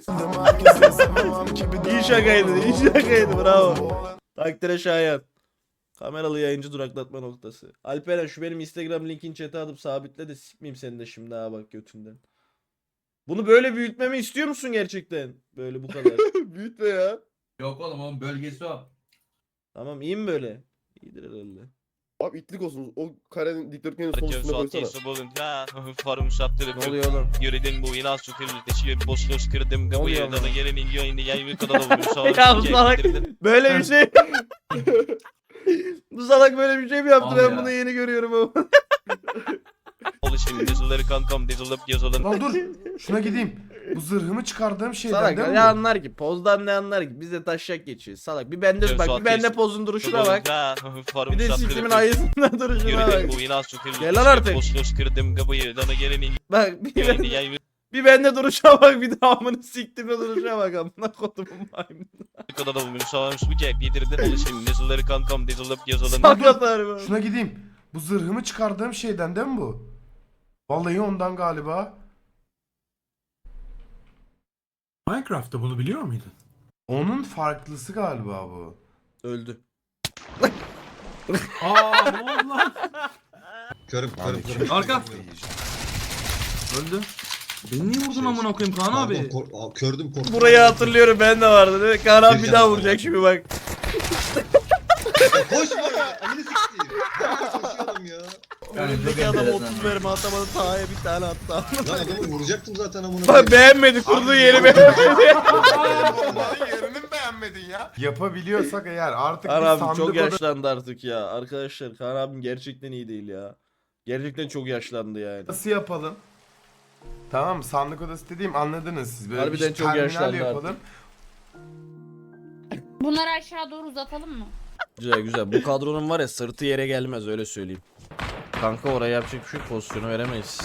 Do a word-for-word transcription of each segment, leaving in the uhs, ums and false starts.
İyi şakaydı, iyi şakaydı, bravo. Takdire şayan. Kameralı yayıncı duraklatma noktası. Alperen şu benim Instagram linkini chat'e atıp sabitle de sikmeyeyim seni de şimdi ha bak götünden. Bunu böyle büyütmemi istiyor musun gerçekten? Böyle bu kadar. Büyütme ya. Yok oğlum onun bölgesi o. Tamam iyi mi böyle? İyidir herhalde. Abi itlik olsun. O karenin dikdörtgenin sol Herkes üstüne koysana. atıysa bulunca forum sattırıp Ne oluyor oğlum? yürüdüm bu ilan sütürlü teşhir boş göz kırdım Ne oluyor kapıyı oğlum? dana gelenin yayını yayını kadar da vurmuş sağ Ya bu salak böyle bir şey. Bu salak böyle bir şey mi yaptı? Al Ben ya. bunu yeni görüyorum ama. Alışın dizileri kankam dizılıp yazılın. Lan dur. Şuna gideyim. Bu zırhımı çıkardığım şeyden Salak değil mi? ne bu? anlar ki? Pozdan ne anlar ki? Biz de taşak geçiyoruz. Salak bir bende Evet, bak Suat bir bende Reis. pozun duruşuna bak. Forum Bir de sattırıp siktimin ayısından duruşuna bak. yürüdüm bu ilan sütürlü Gel lan artık. boş göz kırdım kapıyı dana gelenin Bak bir, yayını ben, yayını bir bende duruşa bak bir de amını siktimin duruşa bak amına kodumun maymunu. kadar da vurmuş sağ bu cep yedirdin alışın dizileri kankam dizılıp yazılın. Sakat harbi. Şuna gideyim. Bu zırhımı çıkardığım şeyden değil mi bu? Vallahi ondan galiba. Minecraft'ta bunu biliyor muydun? Onun farklısı galiba bu. Öldü. Aa ne oldu lan? Körüm körüm körüm. Arka. Öldü. Beni niye vurdun amına koyayım Kaan Pardon, abi? kor- Aa, kördüm korktum. Burayı hatırlıyorum ben de vardı değil mi? Kaan abi Bir bir daha canım vuracak var. şimdi bak. Ya koşma ya. Amını sikeyim. Ben koşuyorum ya. Önündeki adam otuz verme atamadı Taha'ya bir tane attı. Lan adamı vuracaktım zaten amına Bak koyayım. beğenmedi kurduğu yeri beğenmedi. Yerini mi beğenmedin ya? Yapabiliyorsak eğer artık Kaan bir abim sandık çok oda- yaşlandı artık ya. Arkadaşlar Kaan abim gerçekten iyi değil ya. Gerçekten çok yaşlandı yani. Nasıl yapalım? Tamam mı? Sandık odası dediğim anladınız siz. Böyle Harbiden bir çok terminal yaşlandı yapalım. Bunları aşağı doğru uzatalım mı? Güzel güzel. Bu kadronun var ya sırtı yere gelmez öyle söyleyeyim. Kanka oraya yapacak bir şey yok, pozisyonu veremeyiz.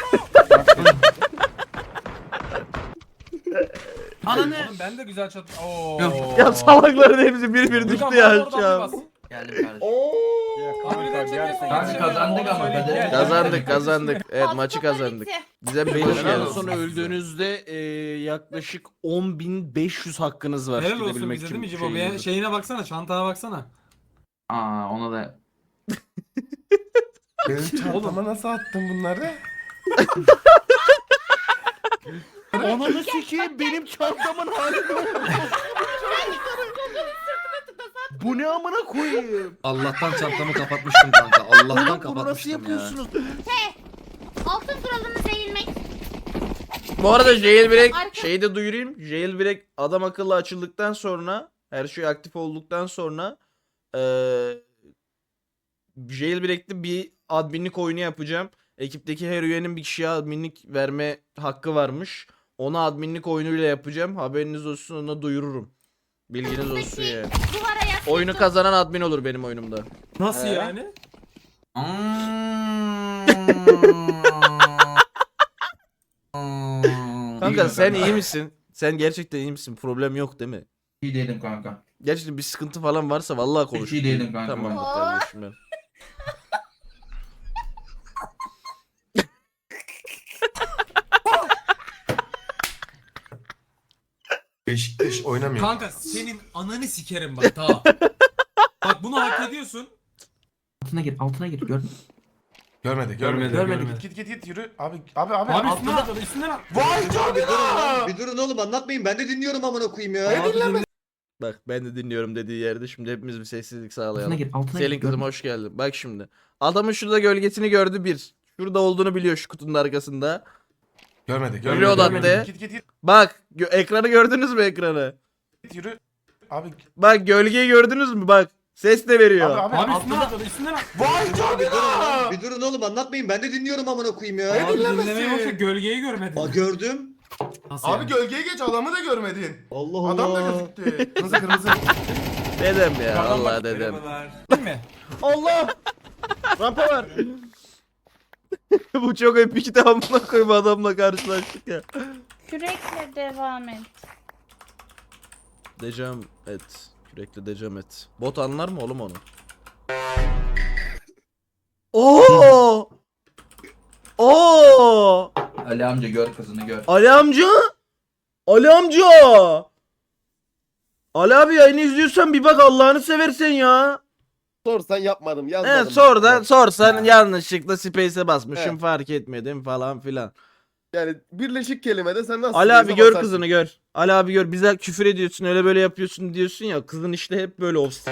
Ananı. Oğlum ben de güzel çat. Oo. Ya salakların hepsi bir bir düştü ya aşağı. Geldim kardeşim. Abi Kanka kazandık ama kaderi. Kazandık kazandık. Evet Altı maçı toplar kazandık. bitti. Bize bir Helal hoş geldiniz. olsun. Sonra öldüğünüzde e, yaklaşık on bin beş yüz hakkınız var. Helal olsun gidebilmek bize için değil mi Cibo? şeyinize. Bir şeyine baksana, çantana baksana. Aa ona da. Benim çantama nasıl attın bunları? Ananı sikeyim benim çantamın hali ne oldu? Bu ne amına koyayım? Allah'tan çantamı kapatmıştım kanka. Allah'tan Oğlum bunu nasıl kapatmıştım ya. yapıyorsunuz? Altın kuralımız eğilmek. Bu arada jailbreak Arka- şeyi de duyurayım. Jailbreak adam akıllı açıldıktan sonra her şey aktif olduktan sonra eee jailbreak'te bir adminlik oyunu yapacağım. Ekipteki her üyenin bir kişiye adminlik verme hakkı varmış. Onu adminlik oyunuyla yapacağım. Haberiniz olsun ona duyururum. Bilginiz olsun ya. Duvara yaz. Oyunu kazanan admin olur benim oyunumda. Nasıl He? yani? Kanka sen iyi misin? Sen gerçekten iyi misin? Problem yok değil mi? İyi değilim kanka. Gerçekten bir sıkıntı falan varsa vallahi konuş. iyi değilim kanka Tamam ben. kardeşim ben. Beşiktaş oynamıyor. Kanka senin ananı sikerim bak ta. Bak bunu hak ediyorsun. Altına gir, altına gir. Gör. Görmedi, görmedi, Görmedi, görmedi. görmedi. Git git git yürü. Abi abi abi. Abi abi. üstüne atladı, üstüne at. Vay Bir durun, canına. bir durun oğlum anlatmayın. Ben de dinliyorum amına koyayım ya. Abi dinle. Bak ben de dinliyorum dediği yerde şimdi hepimiz bir sessizlik sağlayalım. Altına gir, altına Selin gir. kızım Gör. hoş geldin. Bak şimdi. Adamın şurada gölgesini gördü bir. Şurada olduğunu biliyor şu kutunun arkasında. Görmedi, Reload görmedi. attı. görmedi. Git git git Bak gö- ekranı gördünüz mü ekranı? git yürü. Abi Bak gölgeyi gördünüz mü bak. Ses de veriyor. abi abi. Abi altına- üstüne atladı, üstüne at. Vay Bir canına. durun, bir durun oğlum anlatmayın. Ben de dinliyorum amına koyayım ya. Abi dinlemesi? dinlemeye boşa gölgeyi görmedin. Aa gördüm. Nasıl Abi yani? gölgeye geç adamı da görmedin. Allah Allah. Adam da gözüktü. Kırmızı kırmızı. Dedem ya Adam Allah bak, dedem. merhabalar. Değil mi? Allah! Rampa var. Bu çok epik de amına koyayım adamla karşılaştık ya. Kürekle devam et. Decam et. Kürekle decam et. Bot anlar mı oğlum onu? Oo! Oo! Ali amca gör kızını gör. Ali amca! Ali amca. Ali abi yayını izliyorsan bir bak Allah'ını seversen ya. Sorsan yapmadım yazmadım. He sor da sorsan yanlışlıkla space'e basmışım He. fark etmedim falan filan. Yani birleşik kelimede sen nasıl Ali abi space'e gör basarsın? kızını gör. Ali abi gör bize küfür ediyorsun öyle böyle yapıyorsun diyorsun ya kızın işte hep böyle olsun.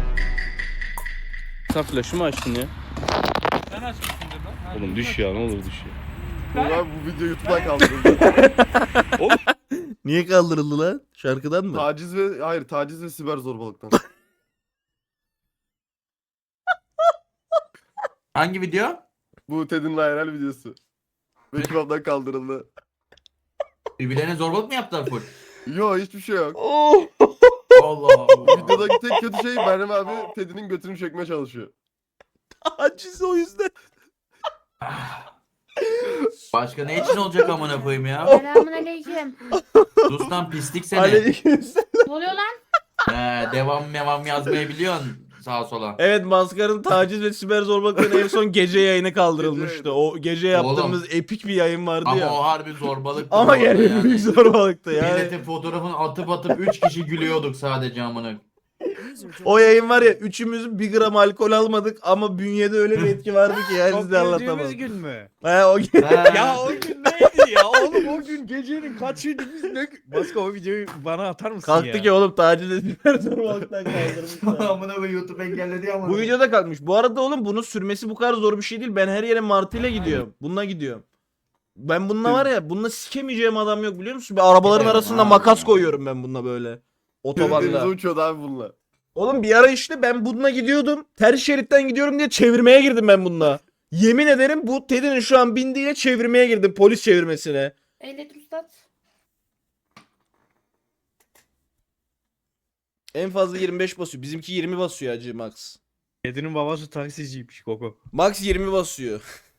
Sen flash'ımı açtın ya. Sen açmışsındır lan. Oğlum düş ya ne olur düş ya. Ulan bu video YouTube'dan kaldırıldı. Niye kaldırıldı lan? Şarkıdan mı? Taciz ve hayır taciz ve siber zorbalıktan. Hangi video? Bu Ted'in viral videosu. Ve kebaptan kaldırıldı. Birbirlerine zorbalık mı yaptılar full? Yo hiçbir şey yok. Oh. Allah Allah. Videodaki tek kötü şey Meryem abi Ted'in götünü çekmeye çalışıyor. Aciz o yüzden. Başka ne için olacak amına koyayım ya? Selamun aleyküm. Sus lan pislik seni. Aleykümselam. Ne oluyor lan? He, devam mevam yazmayı biliyorsun sağa sola. Evet Maskar'ın taciz ve siber zorbalıkların en son gece yayını kaldırılmıştı. Gece O gece yaptığımız epik bir yayın vardı Ama ya. o harbi zorbalık. Ama yani büyük zorbalıktı yani. Milletin fotoğrafını atıp atıp üç kişi gülüyorduk sadece amına. O yayın var ya üçümüz bir gram alkol almadık ama bünyede öyle bir etki vardı ki yani size anlatamam. gün mü? He o gün. Ya o gün neydi ya? Oğlum o gün gecenin kaçıydı biz ne? Başka o videoyu bana atar mısın ya? Kalktı ki oğlum taciz ve siber zorbalıktan kaldırmışlar. Amına koyayım YouTube engelledi ama. Bu videoda kalkmış. Bu arada oğlum bunun sürmesi bu kadar zor bir şey değil. Ben her yere martıyla gidiyorum. Bununla gidiyorum. Ben bununla var ya bununla sikemeyeceğim adam yok biliyor musun? Bir arabaların Giderim arasında abi makas ya. koyuyorum ben bununla böyle. Denize Otobanda. uçuyordu abi bununla. Oğlum bir ara işte ben bununla gidiyordum. Ters şeritten gidiyorum diye çevirmeye girdim ben bununla. Yemin ederim bu Ted'in şu an bindiğiyle çevirmeye girdim. Polis çevirmesine. Ehliyet üstad. En fazla yirmi beş basıyor. Bizimki yirmi basıyor acı Max. Kedinin babası taksiciymiş Koko. Max yirmi basıyor.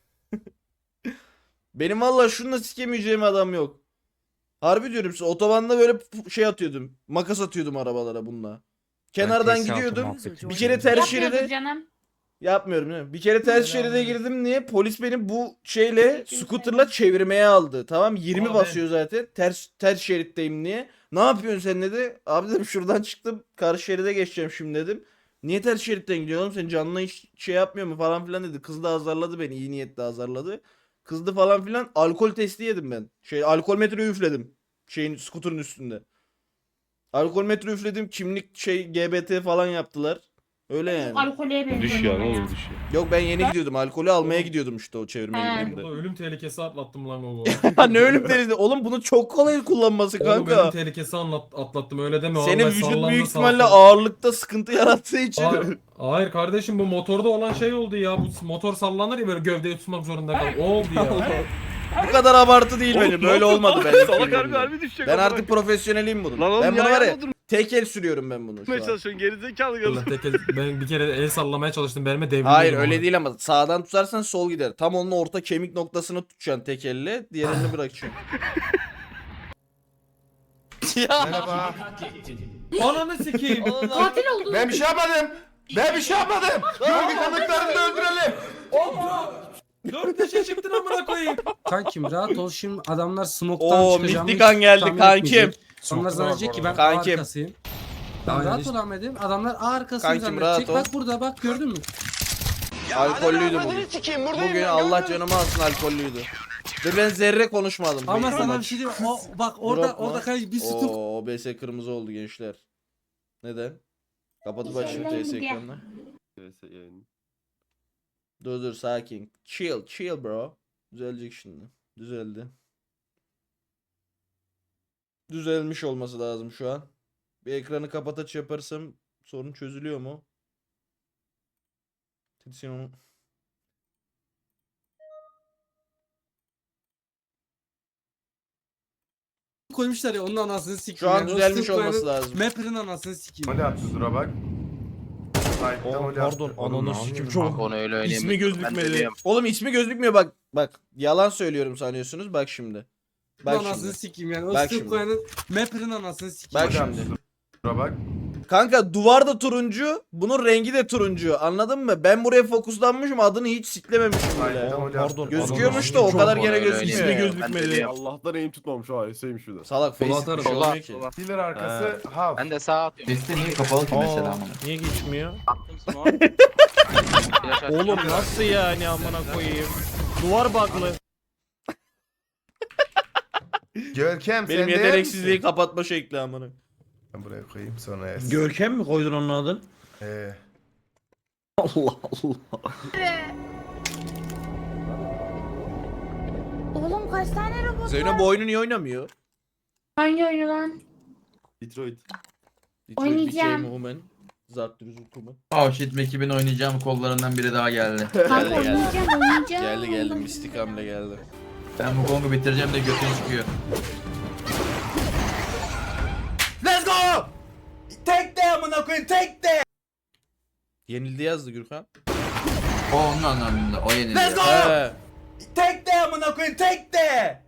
Benim valla şununla sikemeyeceğim adam yok. Harbi diyorum size otobanda böyle p- şey atıyordum. Makas atıyordum arabalara bununla. Kenardan gidiyordum. Bir kere ters Yapıyordur şeride canım. yapmıyorum değil mi? Bir kere ters şeride girdim niye? Polis beni bu şeyle scooter'la çevirmeye aldı. Tamam yirmi Abi. basıyor zaten. Ters ters şeritteyim niye? Ne yapıyorsun sen dedi. Abi dedim şuradan çıktım. Karşı şeride geçeceğim şimdi dedim. Niye ters şeritten gidiyorsun oğlum? Sen canına hiç şey yapmıyor mu falan filan dedi. Kız da azarladı beni. İyi niyetle azarladı. Kızdı falan filan. Alkol testi yedim ben. Şey alkol metre üfledim. Şeyin scooter'ın üstünde. Alkol metre üfledim. Kimlik şey G B T falan yaptılar. Öyle yani. Alkoleye benziyor. Düş ya ne bana olur düş ya. Yok ben yeni gidiyordum. Alkolü almaya gidiyordum işte o çevirmeye He. gittiğimde. Ölüm tehlikesi atlattım lan o. Ha ne ölüm derisi. Oğlum bunu çok kolay kullanması kanka. tehlikesi atlattım öyle deme. Senin vücut büyük ihtimalle ağırlıkta sıkıntı yarattığı için. Hayır, hayır kardeşim bu motorda olan şey oldu ya. Bu motor sallanır ya böyle gövdeyi tutmak zorunda kal. O oldu ya. Bu kadar abartı değil benim. Böyle olmadı benim. Salak harbi harbi düşecek. Ben artık profesyonelim bunun. Lan oğlum Ben bunu ya, var ya yanına durmaya tek el sürüyorum ben bunu şu an. çalışıyorsun gerizekalı kadın. Allah tek el- ben bir kere el sallamaya çalıştım. Benime devrildi. Hayır öyle değil ama sağdan tutarsan sol gider. Tam onun orta kemik noktasını tutacaksın tek elle. Diğer elini bırakacaksın. Merhaba. Ananı sikeyim. Katil oldu. Ben bir şey yapmadım. Ben bir şey yapmadım. Gölge kanıtlarını da öldürelim. Dört taşa çıktın amına koyayım. Kankim rahat ol şimdi adamlar smoke'tan Oo çıkacağımı mistik an geldi tahmin kankim. etmeyecek. Onlar zannedecek ki ben Kankim. arkasıyım. Ben Aynen rahat işte. ol Ahmet'im. Adamlar arkasıyım Kankim, rahat zannedecek. ol. Bak burada bak gördün mü? Alkollüydü bugün. Bugün Allah canımı alsın alkollüydü. Ve ben zerre konuşmadım. Ama bu sana bir maç. şey diyeyim mi? O, bak orada Drop mu? orada kanka bir sütun. Oo O B S kırmızı oldu gençler. Neden? Kapatıp Güzel açayım oldu T S ya. ekranını. Dur dur sakin. Chill chill bro. Düzelecek şimdi. Düzeldi. Düzelmiş olması lazım şu an. Bir ekranı kapat aç yaparsam sorun çözülüyor mu? Titsin Koymuşlar ya onun anasını sikeyim. Şu an yani. O düzelmiş Steve olması Cohen'in lazım. Mapper'ın anasını sikeyim. Hadi attı dura bak. Sahipten Oh, öyle pardon attı. Oğlum, ananı ne sikim yapıyorsun? çok. Onu öyle öyle. İsmi gözükmedi. Oğlum ismi gözükmüyor bak. Bak yalan söylüyorum sanıyorsunuz. Bak şimdi. Onun Bak anasını şimdi. sikeyim yani. O Bak Steve şimdi. Cohen'in Mapper'ın anasını sikeyim. Bak Hadi attı şimdi. dura bak. Kanka duvar da turuncu, bunun rengi de turuncu. Anladın mı? Ben buraya fokuslanmışım, adını hiç siklememişim bile. Pardon. Gözüküyormuş da o kadar gene öyle. gözükmüyor. İsmi gözükmedi. Allah'tan eğim tutmamış o Hüseyin'miş bir de. Salak face Sola bir şey atarım. olmuyor ki. Healer arkası half. Ben de sağa atıyorum. Sesi niye kapalı ki mesela amına? Niye geçmiyor? Flash açtım. Oğlum nasıl yani amına koyayım? Duvar baklı. Görkem sen Benim de yer yeteneksizliği misin? kapatma şekli amına. Ben buraya koyayım sonra yersin. Görkem mi koydun onun adını? Ee, Allah Allah. Oğlum kaç tane robot Zeyno var? bu oyunu niye oynamıyor? Hangi oyunu lan? Detroit. Oynayacağım. Became Human. Zartürüz Human. Oh shit Mekib'in oynayacağım kollarından biri daha geldi. Kanka Geldi, geldi. oynayacağım oynayacağım. Geldi geldi mistik hamle geldi. Ben bu Kong'u bitireceğim de götün çıkıyor. Let's go! Tek de amına koyayım tek de. Yenildi yazdı Gürkan. O onun anlamında. O yenildi. Let's go! He. Tek de amına koyayım tek de.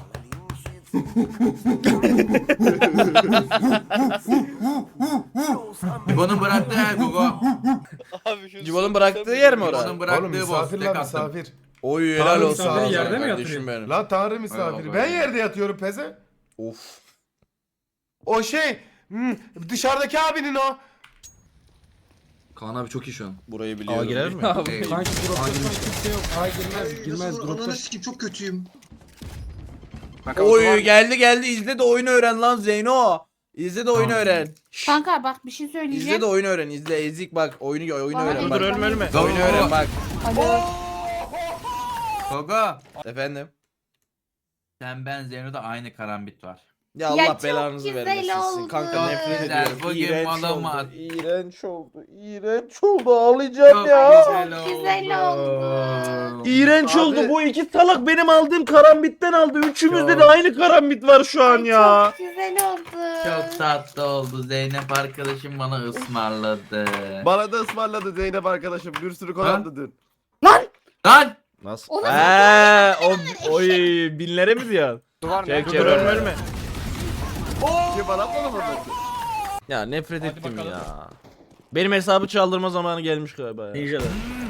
Cibo'nun bıraktığı yer Gogo. Abi şu Cibo'nun bıraktığı yer mi orası? Cibo'nun oğlum bıraktığı boss. misafir Tek lan attım. misafir. Oy helal Tanrı olsun. misafiri sana yerde mi kardeşim yatırıyor? benim. Lan tanrı misafiri. Eyvallah. Ben yerde yatıyorum peze. Of. O şey hmm, dışarıdaki abinin o. Kaan abi çok iyi şu an. Burayı biliyorum. Aa, girer mi? Ey, Kanki dropta kimse yok. Hayır girmez girmez Nasıl dropta. ananı sikeyim çok kötüyüm. Oy geldi geldi izle de oyunu öğren lan Zeyno. İzle de oyunu Tamam. öğren. Şşş, Kanka bak bir şey İzle söyleyeceğim. de oyunu öğren. İzle ezik bak. Oyunu oyunu Bana öğren ezik bak. ölme, ölme. Oyunu öğren bak. Alo. Gogo. Efendim. Sen ben Zeyno'da aynı karambit var. Ya Allah çok belanızı güzel vermesin. oldu. Kanka nefret Güzel, ediyorum. bugün İğrenç malama. oldu. İğrenç oldu. İğrenç oldu. Ağlayacağım Çok ya. güzel oldu. Güzel oldu. İğrenç Abi- oldu. Bu iki salak benim aldığım karambitten aldı. Üçümüzde Çok. de aynı karambit var şu an ya. Çok güzel oldu. Çok tatlı oldu. Zeynep arkadaşım bana ısmarladı. Bana da ısmarladı Zeynep arkadaşım. Bir sürü konandı dün. Lan! Nasıl? Oğlum, Eee o oy binlere mi diyorsun? Duvar Çek ne? çek ölme ölme. Kim bana atmadı mı ben? Ya nefret Hadi ettim bakalım. ya. Benim hesabı çaldırma zamanı gelmiş galiba ya. Ninja'da.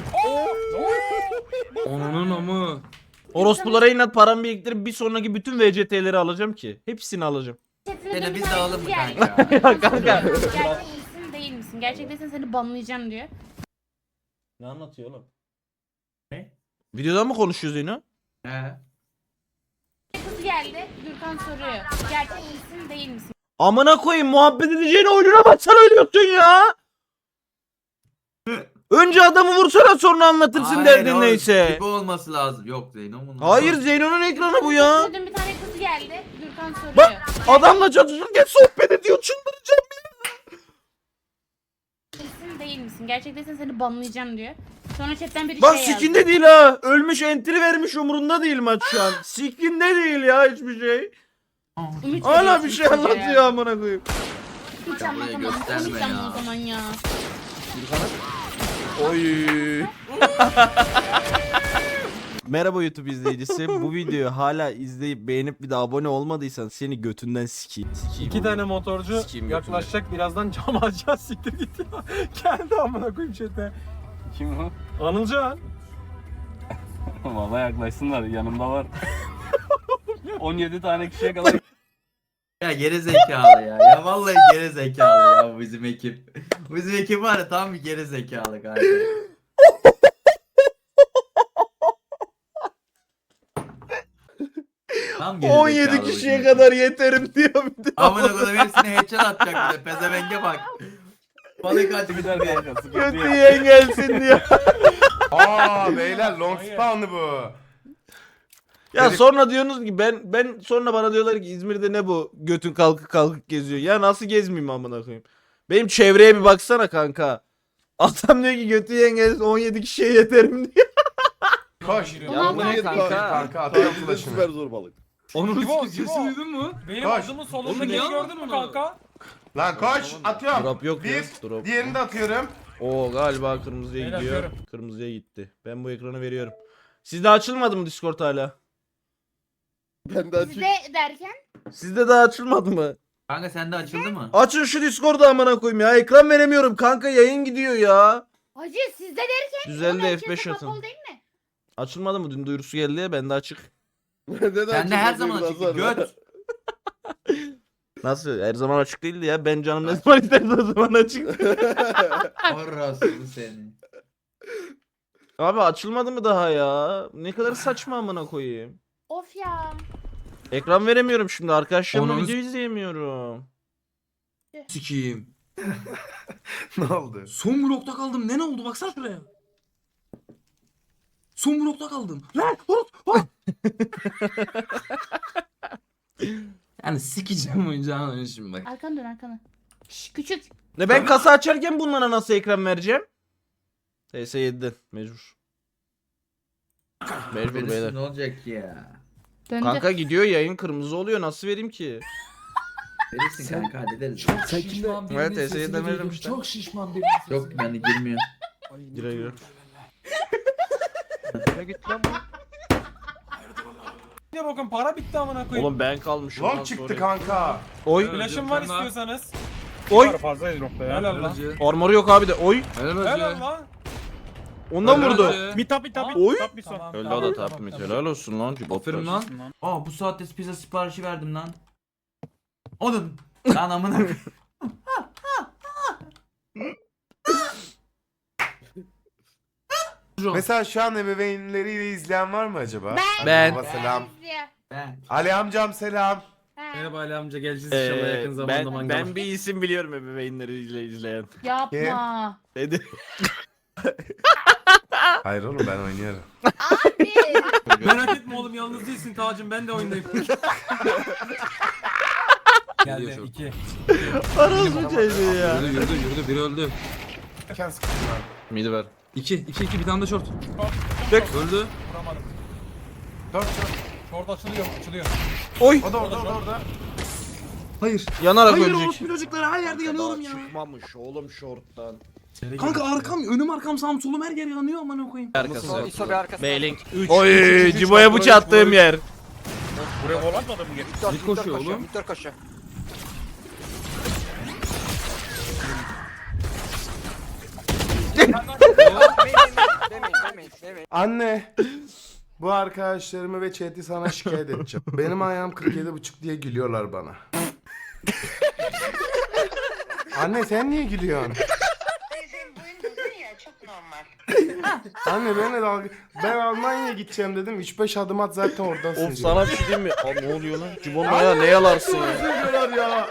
Onun amı. Orospulara inat paramı biriktirip bir sonraki bütün V C T'leri alacağım ki. Hepsini alacağım. Seni biz de alalım mı Yani. kanka? Ya kanka. Gerçek misin değil misin? Gerçek değilsen seni banlayacağım diyor. Ne anlatıyor oğlum? Ne? Videodan mı konuşuyoruz yine? He. Kız geldi. Gürkan soruyor. Gerçek misin değil misin? Amına koyayım muhabbet edeceğine oyununa baksana ölüyorsun ya. Önce adamı vursana sonra anlatırsın Hayır, derdin o neyse. gibi olması lazım. Yok Zeyno'nun. Hayır Zeyno'nun ekranı bu ya. Dün bir tane kız geldi. Gürkan soruyor. Bak, Adamla çatışırken sohbet ediyor çıldıracağım. Misin değil misin? Gerçek değilsen seni banlayacağım diyor. Sonra chatten bir Bak şey yazdı. sikinde değil ha. Ölmüş entry vermiş umurunda değil maç şu an. Sikinde değil ya hiçbir şey. Ümit Hala veriyorsun bir şey çocuğa anlatıyor ya. amına koyayım. Hiç Ya buraya anlatamam. gösterme Konuşacağım ya. o zaman ya. Oy. Merhaba YouTube izleyicisi. Bu videoyu hala izleyip beğenip bir de abone olmadıysan seni götünden sikeyim. Sikeyim. İki tane motorcu Sikeyim yaklaşacak birazdan cam açacağız siktir git ya. Geldi amına koyayım chat'e. Kim o? Anılcan. Valla yaklaşsınlar yanımda var. on yedi tane kişiye kadar. Ya geri zekalı ya. Ya vallahi geri zekalı ya bu bizim ekip. Bu bizim ekip var ya tam bir geri zekalı galiba. Tam geri on yedi zekalı bu kişiye bizim kadar yeterim diyor bir de. ekip. Amına koyayım hepsine headshot atacak bir de pezevenge bak. Balık açık bir de. Kötü yiyen gelsin diyor. Aa beyler long spawn'lı bu. Ya Herif- sonra diyorsunuz ki ben ben sonra bana diyorlar ki İzmir'de ne bu götün kalkık kalkık geziyor. Ya nasıl gezmeyeyim amına koyayım. Benim çevreye bir baksana kanka. Adam diyor ki götü yiyen gelsin on yedi kişiye yeterim diyor. Koş. Ulan Yanına git kanka. kanka atıyorum Süper flash'ını. zorbalık. Onun Cibo, sesi Cibo. duydun mu? Benim Koş. adımın Oğlum, solundaki niye gördün anladın mü onu? kanka? Lan koş atıyorum. Drop yok ya. Bir. Drop. Diğerini de atıyorum. Oo galiba kırmızıya Beyler, gidiyor. atıyorum. Kırmızıya gitti. Ben bu ekranı veriyorum. Sizde açılmadı mı Discord hala? Ben de açık. Bizde derken Sizde daha açılmadı mı? Kanka sende açıldı mı? Açın şu Discord'u amına koyayım ya. Ekran veremiyorum kanka, yayın gidiyor ya. Hacı sizde derken Düzeldi, oğlum, F beş herkese atın. kapalı değil mi? Açılmadı mı? Dün duyurusu geldi ya, bende açık. Sende her zaman açık. Göt. Nasıl? Her zaman açık değildi ya. Ben canım ne zaman isterse o zaman açık. Orası seni. Abi açılmadı mı daha ya? Ne kadar saçma amına koyayım. Of ya. Ekran veremiyorum şimdi. Arkadaşlarımla Ananı video izleyemiyorum. Sikiyim. Ne oldu? Son blokta kaldım. Ne ne oldu baksana şuraya. Son blokta kaldım. Lan horut. ha! Yani sikeceğim oyuncağını oyunu şimdi bak. Arkanı dön arkanı. Şş, küçük. Ne ben kasa açarken bunlara nasıl ekran vereceğim? T S yediden mecbur. Mecbur Verirsin, beyler. ne olacak ya? Döndü. Kanka gidiyor, yayın kırmızı oluyor, nasıl vereyim ki? Verirsin kanka hallederiz. Sen kimden? Evet, T S E'den veririm işte. Çok şişman bir Yok bende girmiyor. Gire gire. Ne bakın para bitti amına koyayım. Oğlum ben kalmışım. Long lan çıktı sonra. kanka. Oy. Flash'ım var istiyorsanız. Oy. Fazlayız nokta ya. Helal lan. Armoru yok abi de. Oy. Helal Helal olsun. lan. Ondan Helal vurdu. olsun. Bir tap bir tap Oy. bir tap bir son. Öldü o da tapmit. Helal olsun lan. Aferin lan. Aa bu saatte pizza siparişi verdim lan. Onun. Lan amına koyayım. Mesela şu an ebeveynleriyle izleyen var mı acaba? Ben. Ben. Baba selam. izliyor. Ben. Ali amcam selam. Ha. Merhaba Ali amca, geleceğiz inşallah yakın zamanda ben, mangala. ben bir isim biliyorum ebeveynleriyle izleyen. Yapma. Dedi. Hayır oğlum ben oynuyorum. Abi. Merak etme oğlum, yalnız değilsin Tacım, ben de oyundayım. Geldi iki. Arası mı çocuğu ya? Yürüdü yürüdü yürüdü biri öldü. Erken sıkıntı var. Midi ver. İki iki iki bir tane de short. Tek. Öldü. Vuramadım. Dört dört. Orada açılıyor, açılıyor. Oy. O da orada o da orada. Hayır. Yanarak Hayır ölecek. orospu çocukları her yerde yanıyorum ya. Çıkmamış oğlum şorttan. Kanka arkam önüm arkam sağım solum her yer yanıyor amına koyayım. Arkası. İso bir arkası. Bailing. Oy, Cibo'ya bıçak attığım yer. Buraya gol atmadı mı? Victor, Bir koşuyor oğlum. Victor koşuyor. Demeyin, demeyin, demeyin. Anne. Bu arkadaşlarımı ve chat'i sana şikayet edeceğim. Benim ayağım kırk yedi buçuk diye gülüyorlar bana. Anne sen niye gülüyorsun? Anne ben de dalga... Ben Almanya'ya gideceğim dedim. üç beş adım at zaten oradasın. Of diyor. sana bir şey diyeyim mi? Aa, ne oluyor lan? Cibo'nun ayağı ne yalarsın ya? Üzülüyorlar ya.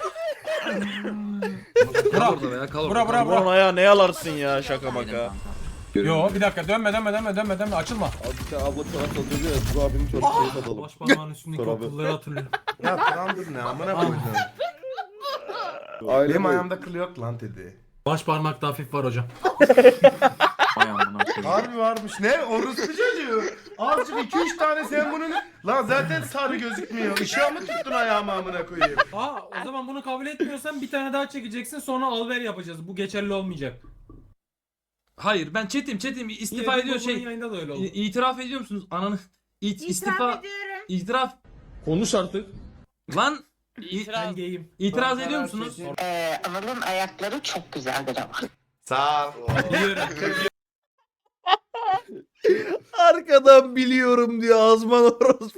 Kal orada veya kal Bura orada. bura Cibo'nun bura. ayağı ne yalarsın ya, şaka maka. Yo bir dakika, dönme dönme dönme dönme dönme, açılma. Abi bir tane abla çorap satıyor ya. Bu abinin çorap sayı satalım. Baş parmağın üstündeki Dur abi. okulları hatırlıyorum. Ya Trump ne amına koydum. Aile Benim boyu. ayağımda kıl yok lan dedi. Baş parmakta hafif var hocam. Ay amına koyayım. Harbi varmış. Ne? Orospu çocuğu. Azıcık iki üç tane sen bunu... Lan zaten sarı gözükmüyor. Işığa mı tuttun ayağımı amına koyayım? Aa, o zaman bunu kabul etmiyorsan bir tane daha çekeceksin, sonra alver yapacağız. Bu geçerli olmayacak. Hayır ben chatim chatim istifa ediyor şey. Yayında da öyle oldu. İ- İtiraf ediyor musunuz ananı? İt, İtiraf istifa ediyorum. itiraf Konuş artık. lan i- Ben geyim. itiraz ediyor musunuz? Ee, Anıl'ın ayakları çok güzeldir ama. Sağ ol. Biliyorum. Arkadan biliyorum diyor Azman orospu.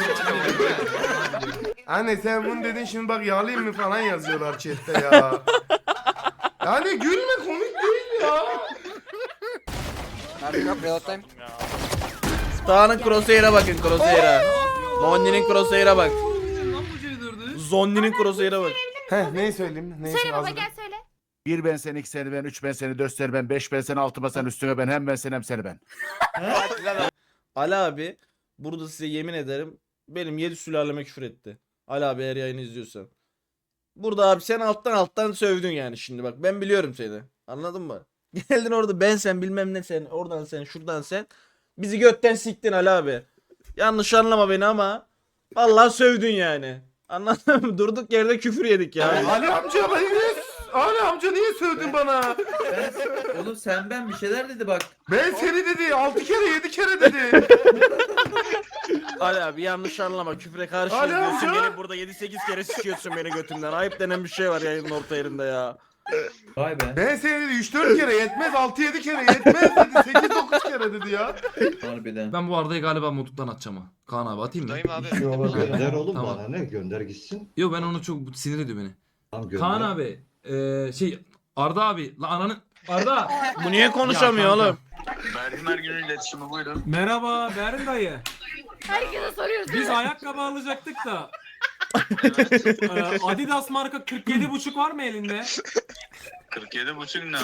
Anne sen bunu dedin şimdi bak yağlayayım mı falan yazıyorlar chatte ya. Yani gülme komik değil ya. Mermi yok, reload'dayım. Dağının crosshair'a bakın, crosshair'a. Zonni'nin crosshair'a bak. Lan bu C dördü. Zonni'nin crosshair'a bak. Heh neyi söyleyeyim? Neyi Söyle baba, hazırım. gel söyle. Bir ben sen, iki seni ben, üç ben seni, dört seni ben, beş ben seni, altı ben sen, üstüne ben, hem ben sen hem seni ben. Ali abi burada size yemin ederim benim yedi sülaleme küfür etti. Ali abi eğer yayını izliyorsan. Burada abi sen alttan alttan sövdün yani şimdi bak, ben biliyorum seni. Anladın mı? Geldin orada ben sen bilmem ne sen, oradan sen, şuradan sen. Bizi götten siktin Ali abi. Yanlış anlama beni ama vallahi sövdün yani. Anladın mı? Durduk yerde küfür yedik ya. Ali amca beni niye... Ali amca niye sövdün bana? Ben- Oğlum sen ben bir şeyler dedi bak. Ben seni dedi altı kere yedi kere dedi. Ali abi yanlış anlama, küfre karşı Ali diyorsun, amca! gelip burada yedi sekiz kere sikiyorsun beni götümden. Ayıp denen bir şey var yayının orta yerinde ya. Vay be. Ben seni dedi üç dört kere yetmez, altı yedi kere yetmez dedi, sekiz dokuz kere dedi ya. Harbiden. Ben bu Arda'yı galiba mutluluktan atacağım ha. Kaan abi atayım mı? Dayım abi. Gönder oğlum Tamam. bana ne? Gönder gitsin. Yok ben onu çok sinir ediyor beni. Tamam gönder. Kaan abi. Eee şey Arda abi. La ananı. Arda. Bu niye konuşamıyor Ya kanka. oğlum? Verdim her günün iletişimi buyurun. Merhaba Berin dayı. Herkese soruyoruz. Biz ayakkabı alacaktık da. Ee, Adidas marka kırk yedi buçuk var mı elinde? kırk yedi buçuk ne?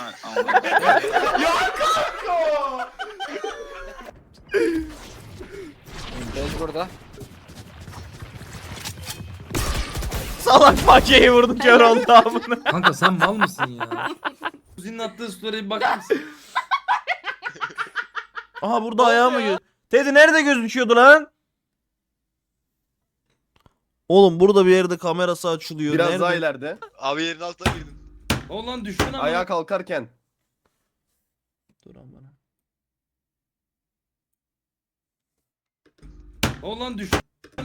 Bez burada. Salak fakeyi vurdu, kör oldu amına. Kanka sen mal mısın ya? Kuzin'in attığı story'e bir bakar mısın? Aha burada ayağı mı göz? Teddy nerede gözüküyordu lan? Oğlum burada bir yerde kamerası açılıyor. Biraz nerede? daha ileride. Abi yerin altına girdin. O lan düştün ama. Ayağa kalkarken. Dur amına. O lan düştün.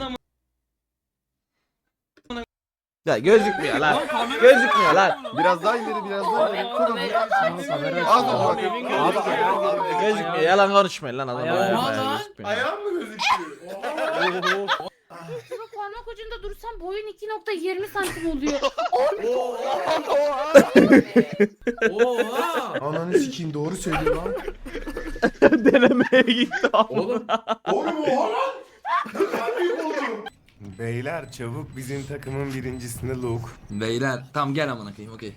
Ya gözükmüyor lan. Lan kamera- Gözükmüyor lan. Biraz daha ileri, biraz daha ileri. Çok hızlı. Az önce bak. Gözükmüyor. Yalan konuşmayın lan adam. Ayağı- Ayağı Ayağı- gözükmüyor. Ayağım mı gözüküyor? Şurada parmak ucunda dursam boyun iki nokta yirmi santim oluyor. Oha. Ananı sikeyim, doğru söylüyor lan. Denemeye gitti Oğlum. Oğlum oha lan. Ne kadar büyük oldu. Beyler çabuk bizim takımın birincisini Luke. Beyler tamam gel amına koyayım okey.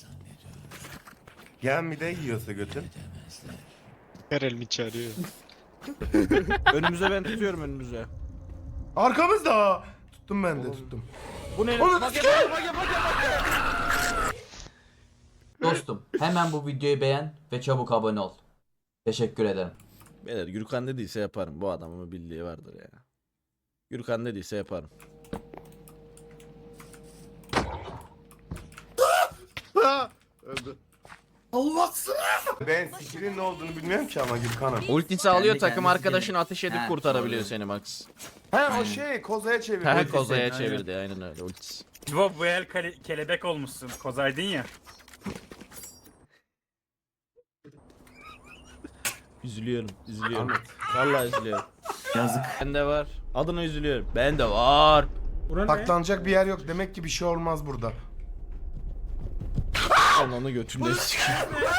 Gel bir de yiyorsa götün. Her elimi çağırıyor. Önümüze ben tutuyorum önümüze. Arkamızda. Tuttum ben de tuttum. Bu ne? Dostum hemen bu videoyu beğen ve çabuk abone ol. Teşekkür ederim. Beyler Gürkan dediyse yaparım. Bu adamın bildiği vardır ya. Gürkan dediyse yaparım. Öldü. Ben sikinin ne olduğunu bilmiyorum ki ama Gürkan'ım. Ultisi alıyor, Kendi takım kendisi arkadaşını değil. ateş edip Ha, kurtarabiliyor doğru. seni Max. He o şey kozaya çevir. He ultisi. kozaya aynen. çevirdi aynen öyle ultisi. Bu, bu el kale- kelebek olmuşsun. Kozaydın ya. Üzülüyorum, üzülüyorum. Vallahi üzülüyorum. Yazık. Bende var. Adına üzülüyorum. Bende var. Bura ne? Saklanacak bir yer yok. Demek ki bir şey olmaz burada. Ananı götümde sikeyim.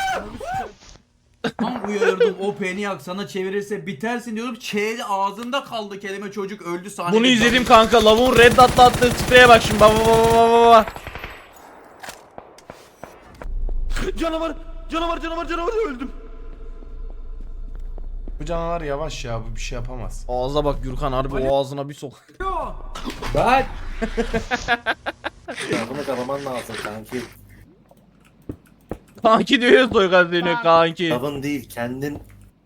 Tam uyarırdım o peniyak sana çevirirse bitersin diyorum. Çeyli ağzında kaldı kelime çocuk öldü sahnede. Bunu izledim kanka. Lavuğun red dot'la attığı spreye bak şimdi. Baba baba baba baba. Canavar! Canavar canavar canavar öldüm. Bu canavar yavaş ya, bu bir şey yapamaz. Ağza bak Gürkan, harbi o ağzına bir sok. Ben. Ya bunu karaman lazım kanki. Kanki diyor ya soykan deniyor kanki. Tabın değil kendin.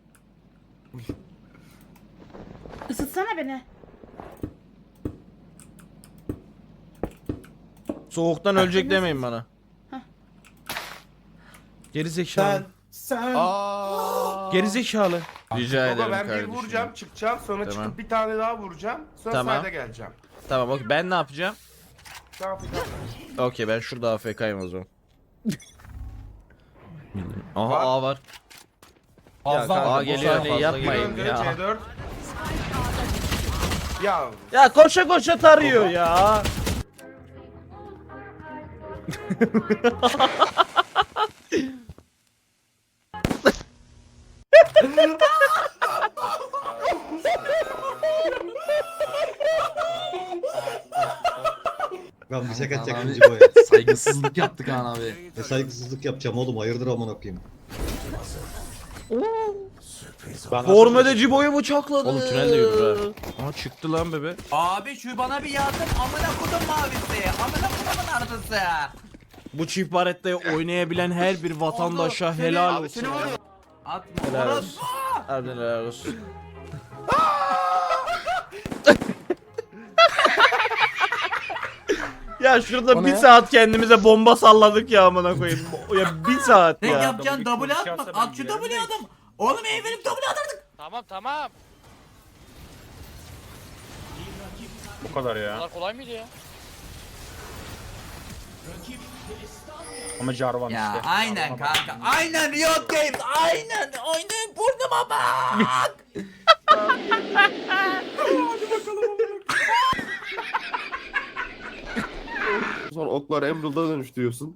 Isıtsana beni. Soğuktan ölecek demeyin bana. Geri zekalı. Sen. Aa. Geri zekalı. Rica Baba ederim ben bir kardeşim. vuracağım, çıkacağım, sonra Tamam. çıkıp bir tane daha vuracağım. Sonra Tamam. sayda geleceğim. Tamam okey, ben ne yapacağım? Ne yapacağım? Okey ben şurada A F K'yım o zaman. Aha Var. A var. Fazla Ya, var, A bu geliyor sefer ne fazla Bir yapmayın önde ya. C dört. Ya Ya koşa koşa tarıyor ya. Ben bir şaka Kaan çekeceğim abi, Cibo'ya. Saygısızlık yaptık Kaan abi. Ne saygısızlık yapacağım oğlum, hayırdır amına koyayım. Formede Cibo'yu bıçakladı. Oğlum tünelde yürür ha. Aa çıktı lan bebe. Abi şu bana bir yardım amına kodum mavisi. Amına kodumun ardısı. Bu çift barettayı oynayabilen her bir vatandaşa helal olsun. Atma. Helal Orası. olsun. Harbiden helal olsun. Ya şurada O bir ne? saat kendimize bomba salladık ya amına koyayım. Ya bir saat Ne ya. yapacaksın? W atma. At şu W adam. Oğlum evlenip W atardık. Tamam tamam. Bu kadar ya. Bunlar kolay mıydı ya? Ama Jarvan Ya işte. aynen kanka. Aynen Riot Games. Aynen. Aynen burnuma bak. Sonra oklar Emerald'a dönüştürüyorsun.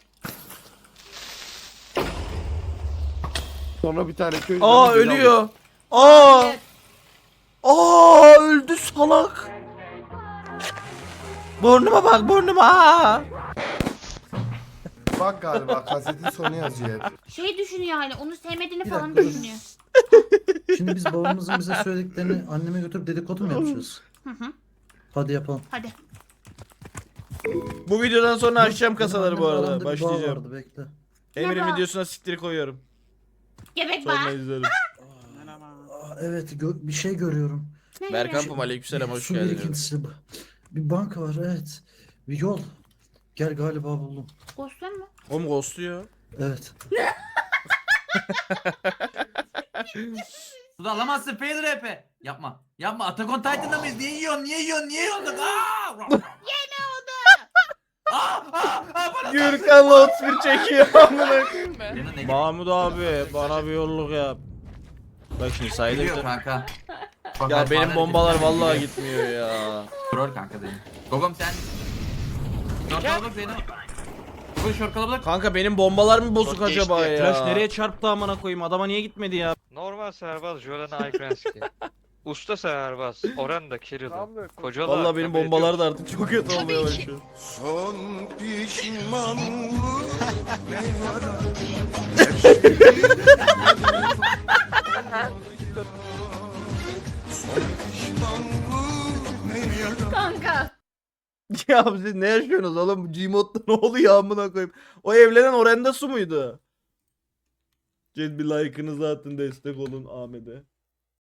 Sonra bir tane köy... Aa ölüyor. Aa. Aa öldü salak. Burnuma bak burnuma. Bak galiba kasetin sonu yazıyor hep. Şey düşünüyor hala onu sevmediğini falan düşünüyor. Şimdi biz babamızın bize söylediklerini anneme götürüp dedikodu mu yapacağız? Hı hı. Hadi yapalım. Hadi. Bu videodan sonra açacağım Benim kasaları bu annemle arada. aramda bir bağ Başlayacağım. vardı, bekle. Emir'in Ne bağ? videosuna siktir koyuyorum. Gebek Sonra var. izlerim. Aa, evet gö- bir şey görüyorum. Ne Berkan görüyorsun? Pum aleykümselam hoş Su geldin. birikintisi. Bir banka var, evet. Bir yol. Gel, galiba buldum. Ghost'un mu? Oğlum ghostluyor. Evet. Suda alamazsın fail rap'i. Yapma. Yapma. Attack on Titan'da mıyız? Niye yiyorsun? Niye yiyorsun? Niye yiyorsun? Aaa! Yine oldu. Aa! Aa! Aa! Bana Gürkan'la otuz bir çekiyor amına. Senin ne Mahmut abi bana bir yolluk yap. Bak şimdi sayılır. gidiyor kanka? Bak, Ya bak, benim bana bombalar hareketler vallahi gidiyor. gitmiyor ya. Troll kanka benim. Gogom sen. Short kalabalık Zeyno. Gogom short kalabalık. Kanka benim bombalar mı bozuk Çok acaba geçti. ya? Flash nereye çarptı amına koyayım? Adama niye gitmedi ya? Normal serbaz, Jolan'a Aykrenski. Usta serbaz, Oran da Kirill'ı. Kocalı. Vallahi benim bombalar da artık çok kötü olmaya başlıyor. Son pişmanlık Kanka. Ya siz ne yaşıyorsunuz oğlum? Gmod'da ne oluyor amına koyayım? O evlenen Orenda Su muydu? Cez bir like'ınızı atın destek olun Ahmet'e.